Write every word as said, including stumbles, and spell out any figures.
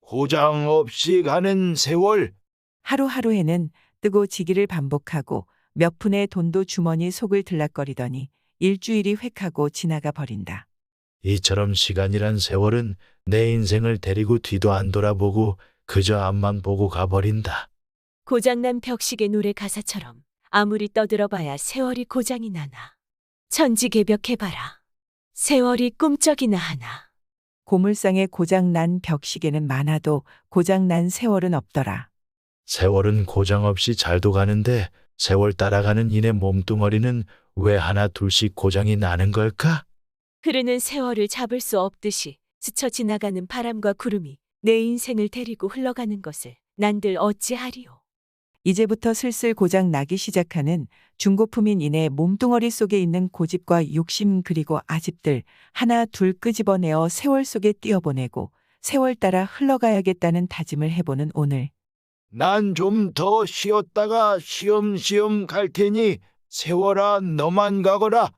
고장 없이 가는 세월. 하루하루에는 뜨고 지기를 반복하고 몇 푼의 돈도 주머니 속을 들락거리더니 일주일이 획하고 지나가 버린다. 이처럼 시간이란 세월은 내 인생을 데리고 뒤도 안 돌아보고 그저 앞만 보고 가버린다. 고장난 벽시계 노래 가사처럼 아무리 떠들어봐야 세월이 고장이 나나. 천지개벽해봐라. 세월이 꿈쩍이나 하나. 고물상에 고장난 벽시계는 많아도 고장난 세월은 없더라. 세월은 고장 없이 잘도 가는데 세월 따라가는 이내 몸뚱어리는 왜 하나 둘씩 고장이 나는 걸까? 흐르는 세월을 잡을 수 없듯이 스쳐 지나가는 바람과 구름이 내 인생을 데리고 흘러가는 것을 난들 어찌하리요. 이제부터 슬슬 고장 나기 시작하는 중고품인 이내 몸뚱어리 속에 있는 고집과 욕심 그리고 아집들 하나 둘 끄집어내어 세월 속에 띄어보내고 세월 따라 흘러가야겠다는 다짐을 해보는 오늘. 난 좀 더 쉬었다가 시험시험 갈 테니 세월아 너만 가거라.